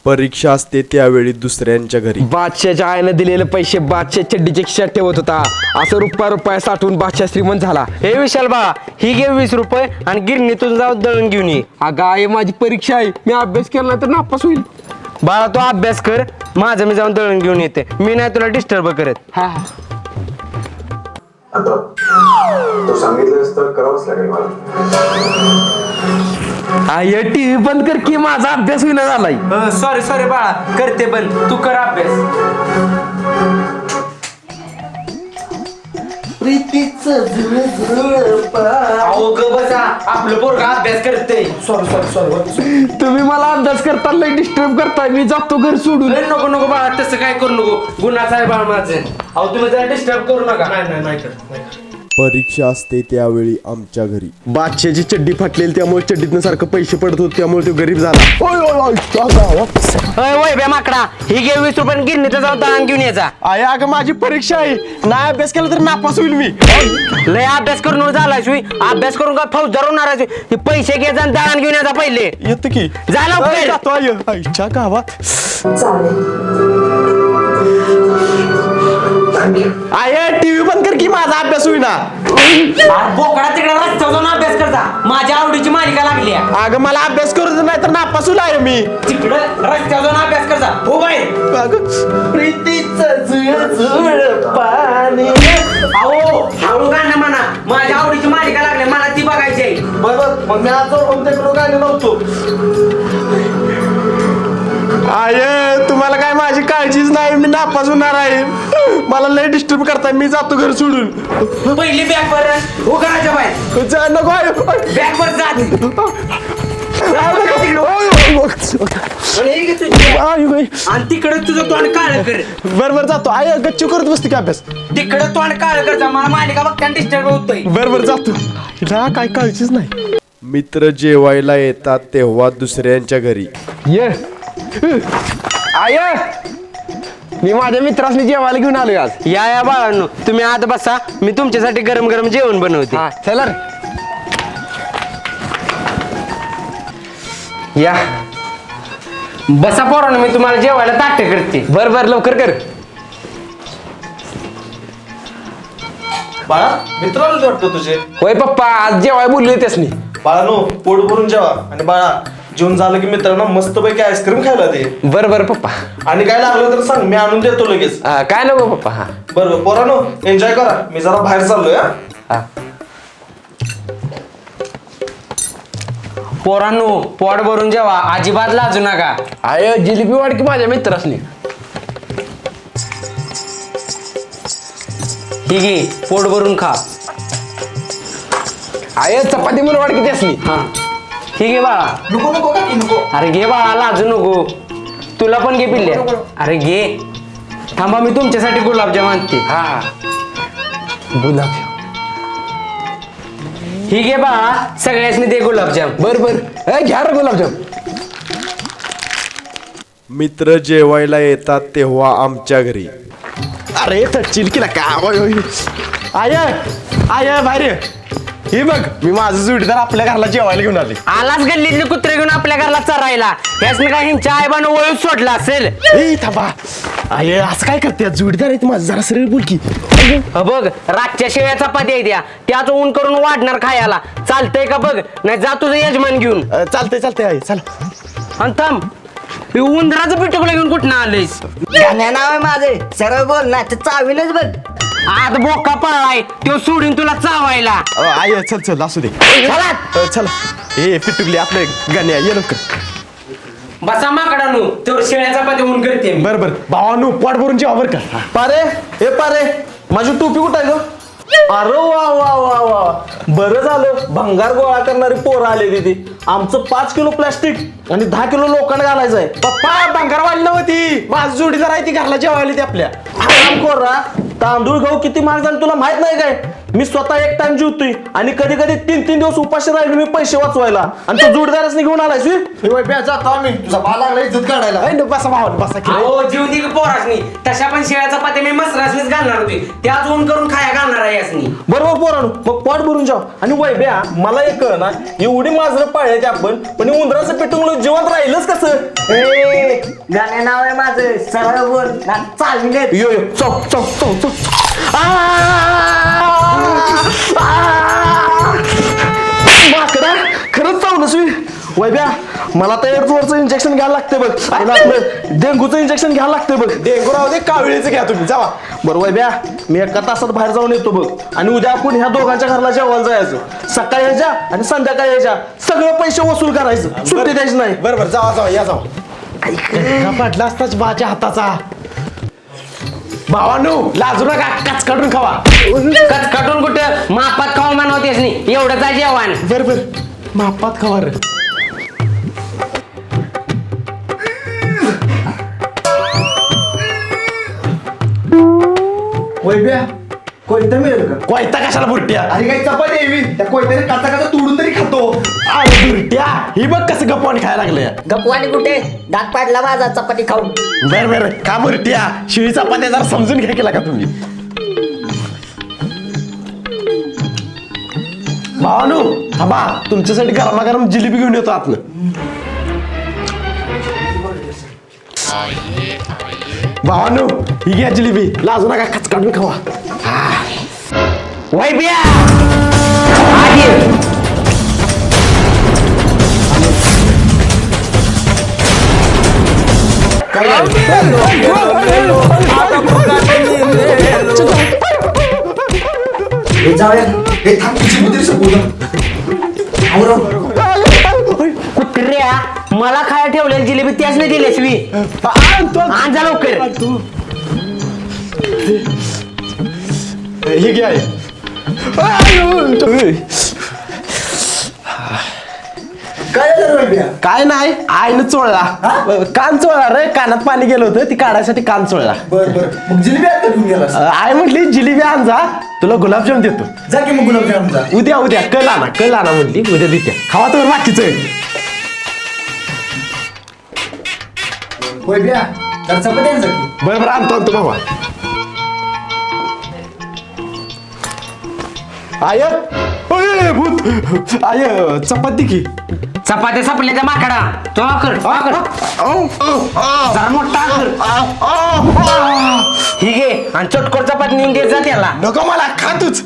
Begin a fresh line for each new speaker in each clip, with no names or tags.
परीक्षा असते त्यावेळी दुसऱ्यांच्या घरी
बादशाच्या आईने दिलेले पैसे बादशा चड्डीच्या खिशात ठेवत होता. असं रुपया साठवून बादशाह श्रीमंत झाला.
हे विशाल बा, ही घे 20 रुपये आणि गिरणीतून जाऊन दळून घेऊन ये.
अगं आई माझी परीक्षा आहे, मी अभ्यास केला नाही तर नापास होईल.
बाळा तू अभ्यास कर, माझं मी जाऊन दळून घेऊन येते. मी नाही तुला डिस्टर्ब करत.
हा
आता तू सांगितलंस तर करावंच लागेल मला.
आई टीव्ही बंद कर की माझा अभ्यास होईना झालाय.
सॉरी बाळा, करते बंद. तू कर अभ्यास. अहो ग बसा, आपलं पोरगा अभ्यास करते. सॉरी.
तुम्ही मला अभ्यास करताना डिस्टर्ब करताय. मी जातो घर सोडून.
नको बाळा, तसं काय करू नको. गुन्हाचा आहे बाळ माझं. अहो तुम्ही जरा डिस्टर्ब करू नका. नाही
परीक्षा असते त्यावेळी आमच्या घरी
बादशाची चड्डी फाटलेली त्यामुळे चड्डीतनं सारखं पैसे पडत होते त्यामुळे तो गरीब झाला.
वय बे माकडा, ही घे 20 रुपये गिरणीत जाऊन दळण घेऊन यायचा.
आई अगं माझी परीक्षा आहे, नाही अभ्यास केला तर नापास होईल मी.
लय अभ्यास करून झाला शिवी. अभ्यास करून काय फौजदार होणार आहे? हे पैसे घे जा, दळण घेऊन यायचा पहिले.
येतो की
जा लवकर.
जातो आई आईच्या गावात. आय टीव्ही बंद कर की माझा अभ्यास होईना.
बोकडा तिकडे रस्त्यावर जाऊन अभ्यास करता. माझ्या आवडीची मालिका लागली आहे.
अगं मला अभ्यास करू नाही तर नापास होईल आहे मी.
तिकडे रस्त्यावर जाऊन अभ्यास करता. हो बाई.
पाणी.
अहो हळू गाणं म्हणा. माझ्या आवडीची मालिका लागली, मला ती बघायची आहे.
बरोबर, मग मी आज गाणं नव्हतो. आय तुम्हाला काय माझी काळजीच नाही, मी नापास होणार आहे. मला लय डिस्टर्ब करताय, मी जातो घर सोडून.
पहिली बॅग वर हो करायच्या बाहेर.
जा नको आहे.
बॅग वर जा. आणि तिकडे तुझं तोंड काळ कर.
बरोबर जातो. आय गच्चू करत बसते का अभ्यास.
तिकडे तोंड काळ करता. मला मालिका बघताना डिस्टर्ब होतोय.
बरोबर जातो. हिला काय काळजीच नाही.
मित्र जेवायला येतात तेव्हा दुसऱ्यांच्या घरी
ये आय मी माझ्या मित्रासनी जेवायला घेऊन आलोय आज.
या बाळांनो, तुम्ही आत बसा. मी तुमच्यासाठी गरम गरम जेवण बनवते.
चला
या बसा पोरांनो, मी तुम्हाला जेवायला ताटे करते.
बर लवकर कर.
बाळा मित्राला वाटतं तुझे.
होय पप्पा, आज जेवाय बोलले त्यासनी.
बाळानो पोट भरून जेवा. आणि बाळा जेवण झालं की मित्रांनो मस्तपैकी आईस्क्रीम खायला दे.
बर पप्पा.
आणि काय लागलं तर सांग, मी आणून देतो लगेच.
काय नको पप्पा. हा
बरोबर पोरानो, एन्जॉय करा. मी जरा बाहेर चाललोय.
हा.
पोरांनो पोट भरून जेवा, अजिबात लाजू नका.
आय जिलेबी वाढ की माझ्या मित्रासनी.
ही घे, पोट भरून खा.
आय चपाती म्हणून वाढ की त्यासनी.
हा ही घे बाळा.
नको नको का की नको.
अरे घे बाळा, लाजू नको. तुला पण घे पिल्ल्या. अरे घे. थांबा, मी तुमच्यासाठी गुलाबजाम आणते.
हा गुलाब.
ही घे बाळा, सगळ्यासनी दे गुलाबजाम.
बर घ्या रे गुलाबजाम.
मित्र जेवायला येतात तेव्हा आमच्या घरी
अरे थटचिल की का. आय बाहेर हे बघ, मी माझं जोडीदार आपल्या घराला जेवायला घेऊन आले.
आलाच गल्लीतले कुत्रे घेऊन आपल्या घराला चरायला. यासने काय ह्यांच्या आईबानं वळून सोडला असेल.
ए थांबा. आय असं काय करते, जोडीदार आहे माझं, जरा सरळ बोल की.
बघ रातच्या शेळ्या चपाती आहे त्याच ऊन करून वाढणार खायला. चालतंय का बघ, नाही जा तुझं यजमान घेऊन.
चालतंय आई चला.
आणि थांब, हे उंदराचं पिटुकलं घेऊन कुठं आलंयस?
गाण्या नाव आहे माझे, सरळ बोल ना ते चावीलच बघ.
आत बोका पळाय तो सोडून तुला चावायला.
आय चल असू दे. चला ए पिटुकली आपलं गाण्या ये लवकर.
बसा माकडानू, तर शेळ्या चपाती ऊन करते मी.
बर भावानू पोट भरून जेवा बर का.
पारे हे पारे, माझी टोपी कुठं आहे ग? अरे वा वा वा वा, बरं झालं भंगार गोळा करणारी पोरं आले तिथे. आमचं 5 किलो प्लास्टिक आणि 10 किलो लोखंड घालायचं आहे.
पप्पा बंगारवाली नव्हती, माझं जोडीदार आहे ती घरला जेवायला ती आपल्या.
आराम कर रा. तांदूळ गहू किती महाग झाले तुला माहित नाही काय? मी स्वतः एक टाइम जेवतोय आणि कधी कधी 3-3 दिवस उपाशी राहिलो मी पैसे वाचवायला. आणि तो जोडीदारच घेऊन आलाय.
जातो आम्ही, तुझा बाल लागला इज्जत काढायला.
बसा भावान बसा की.
हो जीव दे पोरासनी. तशा पण शेळ्या चपाती मी मसरासनीच घालणार होती. त्याच ऊन करून खाया घालणार आहे यासनी.
बरोबर पोरांनो, मग पोट भरून जाव. आणि वैब्या मला एक कळ ना, एवढी माजरं पाळल्याची आपण पण उंदराचं पेटून जिवंत राहिलंच कसं?
गाणे नाव आहे माझं सरळ बोल ना चालविलेत.
यो यो चौक चौक चौक चौक माकडा खरंच चावलंस मी. वैब्या मला तर एअरफोर्सचं इंजेक्शन घ्यायला लागते बघ. आणि आपलं डेंगूचं इंजेक्शन घ्यायला लागते बघ.
डेंगू राहू दे, कावळीचं घ्या तुम्ही, जावा.
बरं वैब्या मी एका तासात बाहेर जाऊन येतो बघ. आणि उद्या आपण ह्या दोघांच्या घराला जेवायला जायचं. सकाळी यायच्या आणि संध्याकाळी यायच्या. सगळं पैसे वसूल करायचं, सुट्टी द्यायची नाही.
बरोबर, जावा जावा, या जावा.
पडला असताच बाच्या हाताचा. भावानू लाजू नका, काच काढून खावा.
कटकटून कुठं मापात खाऊ म्हणवतेस नाही एवढंच आहे जेवण.
बरोबर मापात खावा रे.
वैब्या कोणतं मिळेल का?
कोयता कशाला बुरट्या?
अरे काही चपाती यावी त्या कोयत्याने काचा काचा तोडून तरी खातो.
अरे बुरट्या ही बघ कसं गप्पाने खायला लागले.
गपवानी कुठे दात पाडला माझा चपाती खाऊन.
बर बर का बुरट्या शिळी चपात्या जरा समजून घ्या केला का तुम्ही. भावानू थांबा तुमच्यासाठी गरमागरम जिलेबी घेऊन येतो आतनं. भावानू ही घ्या जिलेबी, लाजू नका, कच काढून खावा.
वैब्या आधी कुत्र्या मला खायला ठेवलेली जिलेबी त्याच नाही दिली शिवी. आण जा लवकर.
ही घ्या. काय नाही आईनं चोळला. कान चोळला रे, कानात पाणी गेलं होतं ती काढायसाठी कान चोळला.
मग जिलेबी आता घेऊन गेलास.
आई म्हटली जिलेबी आण जा, तुला गुलाबजाम देतो.
जा की मग गुलाबजामचा.
उद्या उद्या कल आणा म्हटली, उद्या देते. खावा तर बाकीचं.
वैब्या तर चपाती आण जा की.
बरं बरं आणतो भावा. आय ओय, भूत आय चपाती की.
चपात्या सापडल्या त्या माकडा तो कर जरा मोठा कर. ही घे आणि चटकोर चपाती नेऊन द्यायचा त्याला.
नको मला खातूच.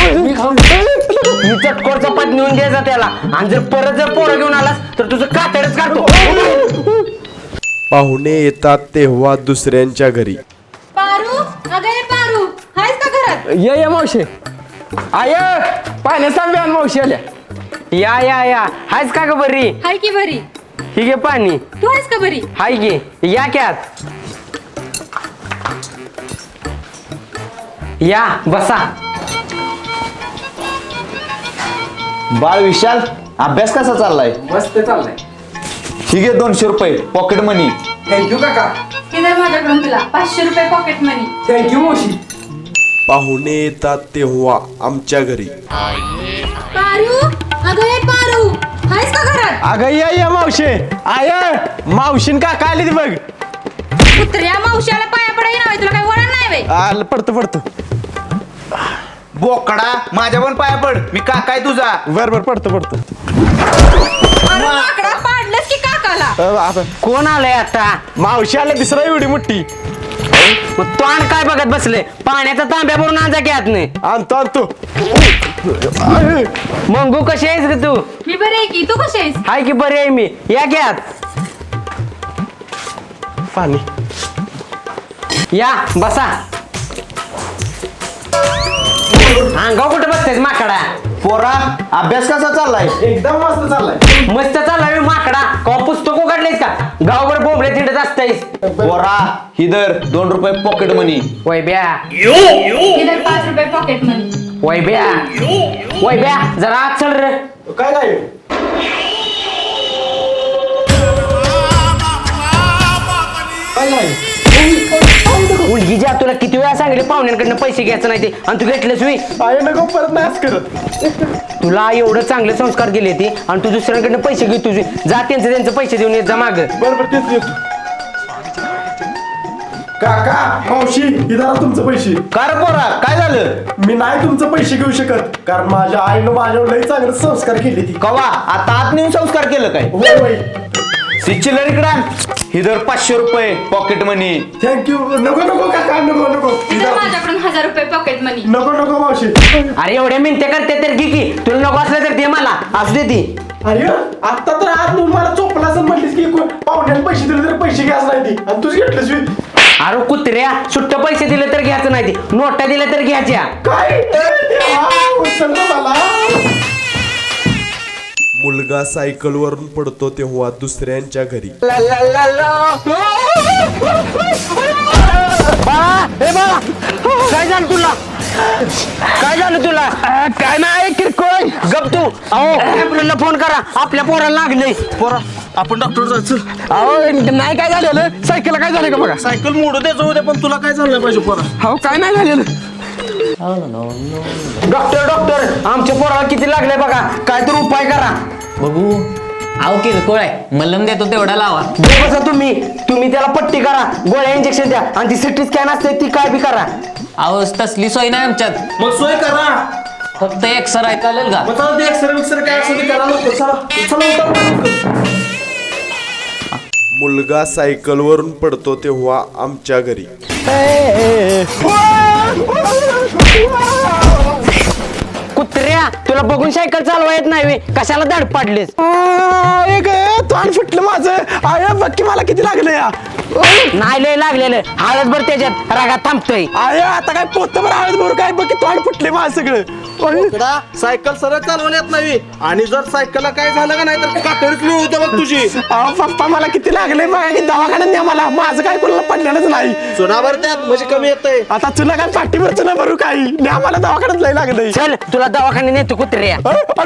ही चटकोर चपाती नेऊन द्यायचा त्याला. आणि जर परत जर पोरं घेऊन आलास तर तुझं कातडच काढतो.
पाहुणे येतात तेव्हा दुसऱ्यांच्या घरी.
पारू अगं हे पारू आहेस का घरात?
ये मावशी. आय पाण्याचा आण मावशी आल्या.
या हायच का ग बरी?
हाय की बरी.
ही घे पाणी.
तू आहेस का बरी?
हाय घे या क्यात या बसा.
बाळ विशाल अभ्यास कसा चाललाय?
मस्त चाललाय.
ठीक आहे 200 रुपये पॉकेट मनी.
थँक्यू काका.
हे दर माझ्याकडून तुला 500 रुपये पॉकेट मनी.
थँक्यू मावशी.
पाहुणे येतात तेव्हा आमच्या घरी.
पारू अगं हे पारू आहेस का घरात?
अगं या मावशे. आय मावशीन का काय आली ती बघ.
कुत्र्या मावशाला पाया पडाय ना तुला काय वळण नाही बे.
आलं पडतं.
बोकडा माझ्या पण पाया पड, मी काकाय तुझा.
बरं पडतं.
अरे माकडा पाडलंस की काकाला.
आता
कोण आलंय आता?
मावशी आल्या दिसरा एवढी मोठी.
मग तो आण काय बघत बसले? पाण्याचा तांब्या भरून आणजा की आत नाही.
आणतो.
मंगू कशी आहेस ग तू?
मी बरी आहे की तू कशी आहेस?
हाय की बरी आहे मी. या की आत.
पाणी.
या बसा. अंगाव कुठे बसतेस माकडा?
पोरा अभ्यास कसा चाललाय?
एकदम मस्त चाललाय.
मस्त चाललाय माकडा. का पुस्तक काढलेस का? गावभर बोंबले तिंडत असतायस.
पोरा हिदर 2 रुपये पॉकेट मनी.
वैब्या
हे दर 5 रुपये पॉकेट मनी.
वैब्या जरा आत चल रे.
काय
मुलगी ज्या तुला किती वेळा सांगितले पाहुण्यांकडनं पैसे घ्यायचं नाही ते आणि तू घेतलंस मी.
आय नको परत नाही करत.
तुला एवढं चांगले संस्कार केले ते आणि तू दुसऱ्यांकडनं पैसे घेत तुझे. जा त्यांचे पैसे देऊन येत जा माग.
बरोबर तेच येतो. काका मावशी ही धरा तुमचं पैसे.
का रे पोरा काय झालं?
मी नाही तुमचं पैसे घेऊ शकत कारण माझ्या आईनं माझ्यावर लई चांगले संस्कार केले ती.
कवा आता आत नेऊन संस्कार केलं काय?
होय
ती चिल्लर इकडं आण. ही धर 500 रुपये पॉकेट मनी.
थँक्यू. नको नको काका नको नको
माझ्याकडून 1000 रुपये पॉकेट मनी.
नको नको मावशी.
अरे एवढ्या मिनते करते तर घे की, तुला नको असलं तर दे मला, असू दे ती.
अरे आता तर आज तू मला चोपला असं म्हटलीस की पाहुण्याला पैसे दिले तर पैसे घ्यायच नाही ती आणि तुझी घेतलीस मी.
अरे कुत्र्या, सुट्ट पैसे दिले तर घ्यायचं नाही ती, नोटा दिल्या तर घ्यायच्या.
काय उचल ना मला. मुलगा सायकलवरून पडतो तेव्हा दुसऱ्यांच्या घरी.
काय झालं तुला? काय झालं तुला? काय नाही किरकोळ. गप तू. आपल्याला फोन करा, आपल्या पोराला लागले.
पोरा आपण डॉक्टर जायचं.
अहो नाही काय झालेलं, सायकल काय झालं का बघा.
सायकल मोडू दे जाऊ दे पण तुला काय झालं पाहिजे पोरा.
हो काय नाही झालेलं. डॉक्टर डॉक्टर आमच्या पोराला किती लागले बघा, काय तर उपाय करा.
बघू. अहो किरकोळ आहे, मलम देतो तेवढा लावा.
दे बसा तुम्ही त्याला पट्टी करा, गोळ्या इंजेक्शन द्या आणि ती सिटी स्कॅन असते ती काय बी करा.
अहो तसली सोय नाही आमच्यात,
मग सोय करा.
फक्त एक्सर आहे, चालेल का?
मग चला ते एक्सरे विक्सरे काय असेल ते करा लवकर. चला उतर.
मुलगा सायकलवरून पडतो तेव्हा आमच्या घरी.
कुत्र्या, तुला बघून सायकल चालवा येत नाही व्हय? कशाला धड पाडलीस?
तोंड फुटलं माझं. अरे बघ की मला किती लागलं या.
नाही लय लागलेलं, हळद भर त्याच्यात, रागात थांबतोय.
अरे आता काय पोत हळद भरू काय बघ की तोंड फुटले माझं सगळं.
इकडा सायकल सरळ चालवण्यात येत नाही आणि जर सायकलला काय झालं का नाही तर कातडीच मिळवतो बघ तुझी.
अहो पप्पा मला किती लागले बघा की दवाखान्यात न्या मला. माझं काय कोणाला पडलेलंच नाही.
चुनावर त्यात म्हणजे कमी येतंय.
आता तुला काय पाठीवरचं ना भरू काही न्या मला दवाखान्यात लय लागलंय.
चल तुला दवाखान्यात नेतो कुत्र्या.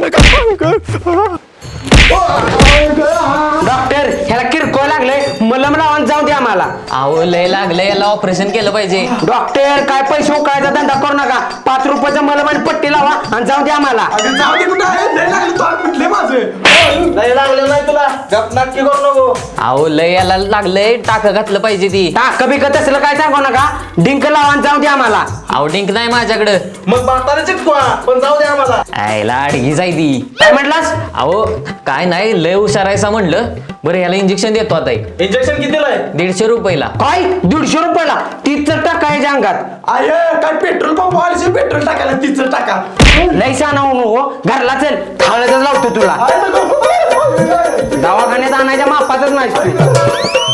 डॉक्टर ह्याला किरकोळ लागलंय, मलम लावून जाऊ द्या मला.
अहो लय लागलं, याला ऑपरेशन केलं पाहिजे.
डॉक्टर काय पैसे उकळायचा धंदा करू नका, 5 रुपयाचा मलम आणि पट्टी लावा आणि जाऊ द्या मला.
जाऊ दे कुठं आहे लय लागलं तोंड फुटले माझं.
नाही लागलं नाही तुला गप नाटकी करू नको.
अहो लय याला लागलंय, टाकं घातलं पाहिजे ती.
टाक बिकत असलं काय सांगू नका, डिंक लावा आणि जाऊ द्या मला.
अहो डिंक नाही माझ्याकडं.
मग भाताने चिटकवा पण जाऊ द्या आम्हाला.
आयला अडगी जाय ती.
काय म्हटलास?
अहो काय नाही, लय हुशारायचा म्हणलं. बरं याला इंजेक्शन देतो आता.
इंजेक्शन कितीला आहे?
150 रुपयाला.
काय 150 रुपयाला? 30 तर टाका याच्या अंगात.
अरे काय पेट्रोल पंप वाले पेट्रोल टाकायला 30 टाका.
लय सांगू नको, घरला चल, हळदच लावतो तुला. दवाखान्यात आणायच्या मापातच नाही.